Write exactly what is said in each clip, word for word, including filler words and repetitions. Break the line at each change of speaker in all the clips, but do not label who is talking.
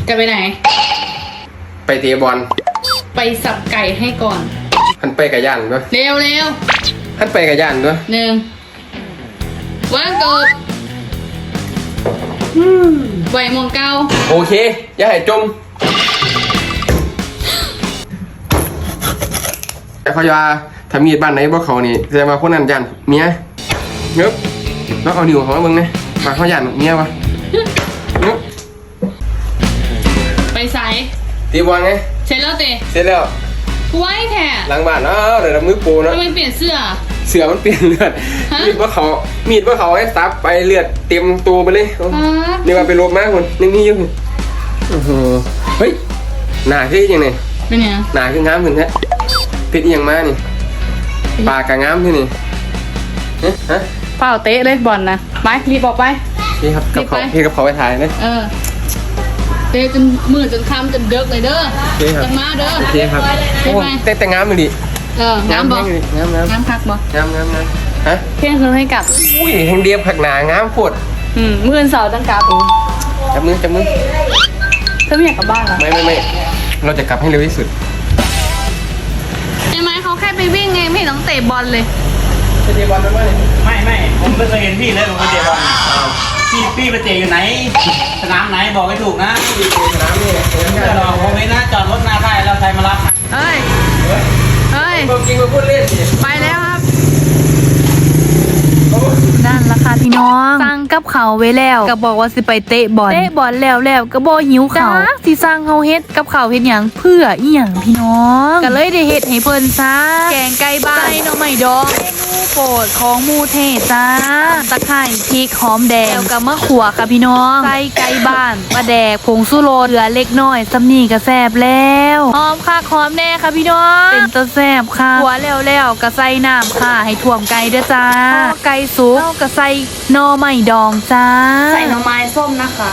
จะไปไหน
ไปเตะบอล
ไปสับไก่ให้ก่อน
หันไปกับย่านด้วย
เร็วเร็ว
หันไปกับย่านด้วย
หนึ่งวางกบไหวมองเก้า
โอเคอย่าให้จมแต่เขาจะทำมีดบ้านไหนบ่เขานี่แสดงว่าคนนั้นย่านเมียเงือบแล้วเอานิ้วเขามาเบิ่งนะมาเขาย่านเมียวะเงือบ
ไปใส่
ตีบอลไง
เสร็จแล้วเตะ
เสร็จแล้ว
ไว้แท้
หลังบ้านอ้าวเดี๋ยวมือปูนะ
ทำไมเปลี่ยนเสื้อ
เสื้อมันเปลี่ยนเลือดมีดว่าเขามีดว่าเขาให้ซับไปเลือดเต็มตัวไปเลยนี่ว่าไปลบมากคนนึงนี่ยุ่งโอ้โหเฮ้ยหนาขึ้นยังไง
เป็นไง
หนาขึ้นงามขึ้นแท้พิษยังมานี่ปากกางามที่นี่ฮะ
เปล่าเตะเลยบอลนะไปรีบออกไป
พี่ครับกับเขาพี่กับเขาไปถ่ายนะ
เออเตะจนมือจนคำจนเดิกเลยเด้อจนมาเด้อ
โอเคครับโอ้แต่แต่งามเลยดิ
เอองามบอก
งามงาม
งามคักบอก
งามงามงามฮะ
เพียงคืนให้กลับ
อุ้ยแห่งเดียบผักหนางามปวด
อืมมือเสาตั้งกลับ
จับมือจับมือ
เธอไม่อยากกลับบ้านหรอ
ไม่ไม่ไม่เราจะกลับให้เร็วที่สุด
ใช่ไหมเขาแค่ไปวิ่งไงไม่ต้องเตะบอลเลย
ไปเตะบอลไหม
ไม่ไม่ผมไม่เคยเห็นพี่เลยผมไปเตะบอลพี่พี่ไปเตะอยู่ไหนสนามไหนบอกให้ถูกนะ
สนามนี่
เดี๋ยวผมไม่นะจอดรถหน้าค่ายแล้วใครมารับ
เฮ้ยเฮ้ย
ความจริงมาพูดเล่น
ไปแล้วครับนั่นราคาพี่น้องสั่งกับเขาไว้แล้วก็บอกว่าสิไปเตะบอลเตะบอลแล้วแล้วก็บ่หิวเขาสิสั่งเฮาเฮ็ดกับเขาเฮ็ดหยังเพื่ออีหยังพี่น้องก็เลยได้เฮ็ดให้เพิ่นซะแกงไก่บ้านใส่หน่อไม้ดองเมนูโปรดของหมู่เทจ้าตะไคร้พริกหอมแดงแล้วก็มะขั่วค่ะพี่น้องใส่ไก่บ้านปลาแดกผงชูรสเหลือเล็กน้อยซำนี้ก็แซ่บแล้วหอมคักหอมแน่ค่ะพี่น้องเป็นตะแซ่บค่ะขั่วแล้วแล้วก็ใส่น้ำค่ะให้ท่วมไก่เด้อจ้าไก่สุกก็ใส่หน่อไม้ดองจ้าใส่หน่อไม้ส้มนะคะ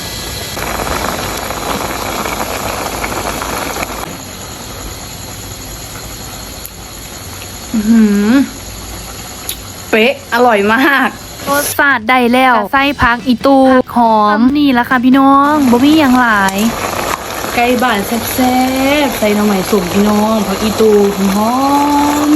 อือเป๊ะอร่อยมากรสชาติได้แล้วใส่ผักอีตูหอมนี่ละค่ะพี่น้องบ่มีอย่างหลายไก่บ้านแซ่บๆใส่หน่อไม้ส้มพี่น้องผักอีตูหอม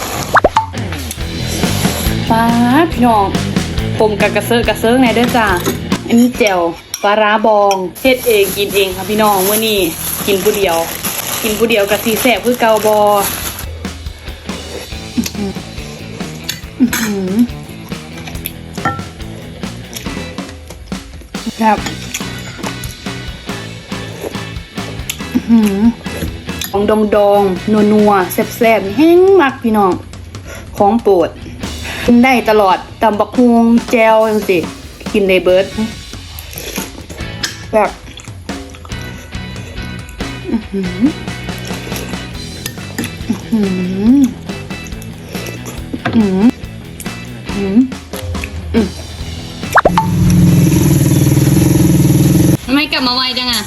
ปลาพี่น้องผมกับกระเซาะกระเซิงไหนเด้อจ้าอันนี้แจ่วปลาร้าบองเฮ็ดเองกินเองค่ะพี่น้องมื้อนี้กินผู้เดียวกินผู้เดียวกับสีแซ่บคือเกาบออื้อหือครับอื้อหือของดองดองนัวนัวแซ่บแซ่บแห้งมากพี่น้องของโปรดกินได้ตลอดตำบักฮุงแจวจังสิกินในเบิร์ดแบบอื้อหืออื้อหืออื้อหืออื้อหือทำไมกลับมาไวจังอ่ะ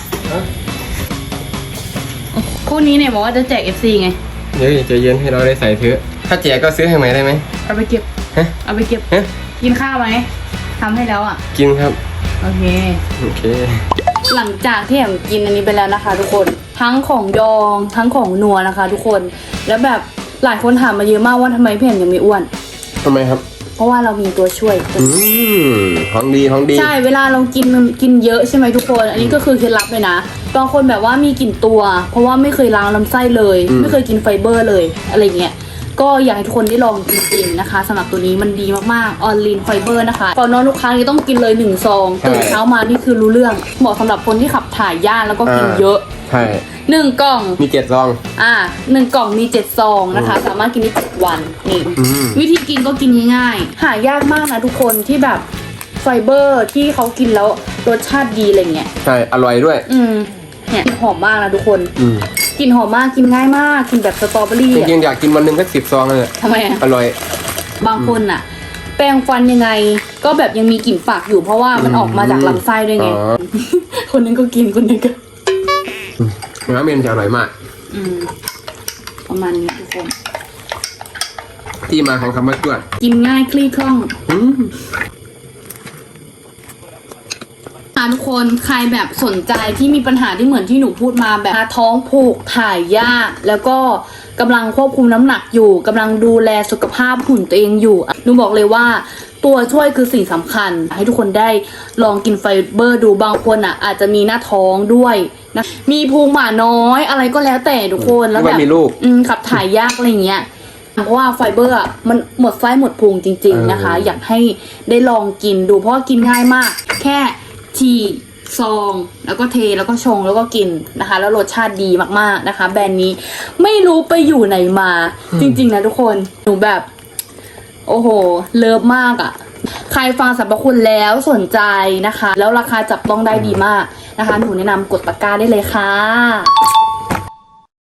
คู่นี้เนี่ยบอกว่าจะแจก เอฟ ซี ไง
เดี๋ยวใจเย็นให้เราได้ใส่เถอะถ้าแจกก็ซื้อให้ใหม่ได้ไหม
เอาไปเก็บเอาไปเก็บกินข้าวไหมทำให้แล้วอ่ะ
กินครับ
โอเค
โอเค
หลังจากที่แอมกินอันนี้ไปแล้วนะคะทุกคนทั้งของดองทั้งของนัวนะคะทุกคนแล้วแบบหลายคนถามมาเยอะมากว่าทำไมพี่แอมยังไม่อ้วน
ทำไมครับ
เพราะว่าเรามีตัวช่วย
อืมของดีของดี
ใช่เวลาเรากินกินเยอะใช่ไหมทุกคนอันนี้ก็คือเคล็ดลับเลยนะบางคนแบบว่ามีกลิ่นตัวเพราะว่าไม่เคยล้างลำไส้เลยไม่เคยกินไฟเบอร์เลยอะไรเงี้ยก็อยากให้ทุกคนได้ลองจริงๆนะคะสำหรับตัวนี้มันดีมากๆออนลีนไฟเบอร์นะคะก่อนนอนทุกครั้งนี้ต้องกินเลยหนึ่งซองตื่นเช้ามานี่คือรู้เรื่องเหมาะสำหรับคนที่ขับถ่ายยากแล้วก็กินเยอะ
ใช่
หนึ่งกล่อง
มีเจ็ดซอง
อ่าหนึ่งกล่องมีเจ็ดซองนะคะสามารถกินได้เจ็ดวันนี่วิธีกินก็กินง่ายๆหายากมากนะทุกคนที่แบบไฟเบอร์ที่เขากินแล้วรสชาติดีอะไรเงี้ย
ใช่อร่อยด้วย
อืมเนี่ยหอมมากนะทุกคนอืมกลิ่นหอมมากกินง่ายมากกินแบบสตรอเบอรี่
จริงๆอยากกินวันหนึ่งแค่สิบซองเลย
ทำไมอ่ะ
อร่อย
บางคนอ่ะแปรงฟันยังไงก็แบบยังมีกลิ่นปากอยู่เพราะว่ามันออกมาจากลำไส้ด้วยไงคนนึงก็กินคนนึงก็
เนื้อเมนจะอร่อยมาก
อืมประมาณนี้ทุกคน
ที่มาของคำว่าจวด
กินง่ายคลี่คล่องทุกคนใครแบบสนใจที่มีปัญหาที่เหมือนที่หนูพูดมาแบบท้องผูกถ่ายยากแล้วก็กำลังควบคุมน้ำหนักอยู่กำลังดูแลสุขภาพหุ่นตัวเองอยู่หนูบอกเลยว่าตัวช่วยคือสิ่งสำคัญให้ทุกคนได้ลองกินไฟเบอร์ดูบางคนอ่ะอาจจะมีหน้าท้องด้วยนะมีพุงหมาน้อยอะไรก็แล้วแต่ทุกคนแล้วแบบอืมขับถ่ายยากอะไรเงี้ยเพราะว่าไฟเบอร์อ่ะมันหมดไฟหมดพุงจริงๆนะคะอยากให้ได้ลองกินดูเพราะว่ากินง่ายมากแค่ฉีกซองแล้วก็เทแล้วก็ชงแล้วก็กินนะคะแล้วรสชาติดีมากๆนะคะแบรนด์นี้ไม่รู้ไปอยู่ไหนมาจริงๆนะทุกคนหนูแบบโอ้โหเลิฟมากอ่ะใครฟังสรรพคุณแล้วสนใจนะคะแล้วราคาจับต้องได้ดีมากนะคะหนูแนะนำกดตะกร้าได้เลยค่ะ